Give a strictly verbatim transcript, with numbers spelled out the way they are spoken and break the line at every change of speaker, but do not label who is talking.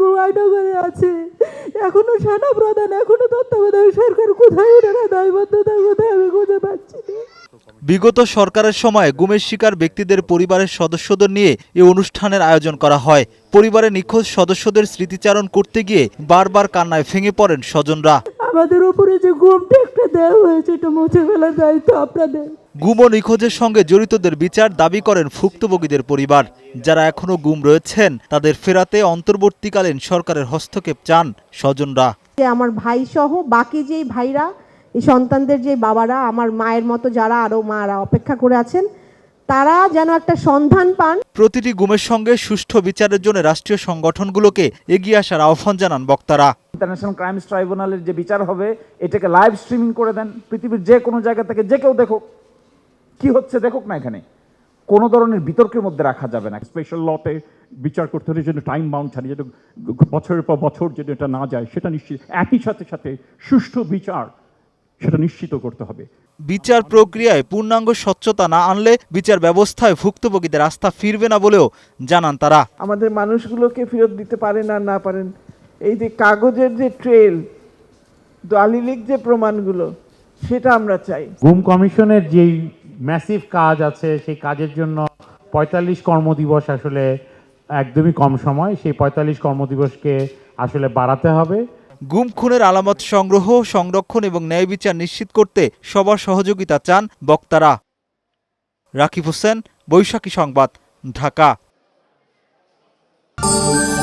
গুম আয়নাঘরে আছে, এখনো সেনা প্রধান, এখনো তত্ত্বাবধায়ক সরকার, কোথায় ওনারা দায়বদ্ধতা, কোথায় আমি খুঁজে পাচ্ছি না।
বিগত সরকারের সময় গুমের শিকার ব্যক্তিদের পরিবারের সদস্যদের নিয়ে এই অনুষ্ঠানের আয়োজন করা হয়। পরিবারের নিখোঁজ সদস্যদের স্মৃতিচারণ করতে গিয়ে বারবার কান্নায় ভেঙে পড়েন স্বজনরা।
আমাদের উপরে যে গুমটা একটা দেওয়া হয়েছে, এটা মুছে ফেলার দায়িত্ব আপনাদের।
গুম ও নিখোঁজের সঙ্গে জড়িতদের বিচার দাবি করেন ভুক্তভোগীদের পরিবার। যারা এখনো গুম রয়েছেন তাদের ফেরাতে অন্তর্বর্তীকালীন সরকারের হস্তক্ষেপ চান স্বজনরা।
আমার ভাই সহ বাকি যেই ভাইরা, এই সন্তানদের যে বাবারা, আমার মায়ের মতো যারা আরো মারা অপেক্ষা করে আছেন, তারা যেন একটা সন্ধান পান।
প্রতিটি গুমের সঙ্গে সুষ্ঠু বিচারের জন্য রাষ্ট্রীয় সংগঠনগুলোকে এগিয়ে আসার আহ্বান জানান বক্তারা।
ইন্টারন্যাশনাল ক্রাইমস ট্রাইব্যুনালের যে বিচার হবে, এটাকে লাইভ স্ট্রিমিং করে দেন, পৃথিবীর যে কোনো জায়গা থেকে যে কেউ দেখুক, কি হচ্ছে দেখুক না। এখানে কোনো ধরনের বিতর্কের মধ্যে রাখা যাবে না।
স্পেশাল লতে বিচার করতে হলে যেন টাইম বাউন্ড ছাড়িয়ে যেন বছরের পর বছর যেন এটা না যায়, সেটা নিশ্চিত, একই সাথে সাথে সুষ্ঠু বিচার সেটা নিশ্চিত করতে হবে।
বিচার প্রক্রিয়ায় পূর্ণাঙ্গ স্বচ্ছতা না আনলে বিচার ব্যবস্থায় ভুক্তভোগীদের আস্থা ফিরবে না বলেও জানান তারা।
আমাদের মানুষগুলোকে ফেরত দিতে পারেন আর না পারেন, এই যে কাগজের যে ট্রেল, দলিলিক যে প্রমাণগুলো, সেটা আমরা চাই।
গুম কমিশনের যেই ম্যাসিভ কাজ আছে, সেই কাজের জন্য পঁয়তাল্লিশ কর্মদিবস আসলে একদমই কম সময়। সেই পঁয়তাল্লিশ কর্মদিবসকে আসলে বাড়াতে হবে।
গুম খুনের আলামত সংগ্রহ, সংরক্ষণ এবং ন্যায় বিচার নিশ্চিত করতে সবার সহযোগিতা চান বক্তারা। রাকিব হোসেন, বৈশাখী সংবাদ, ঢাকা।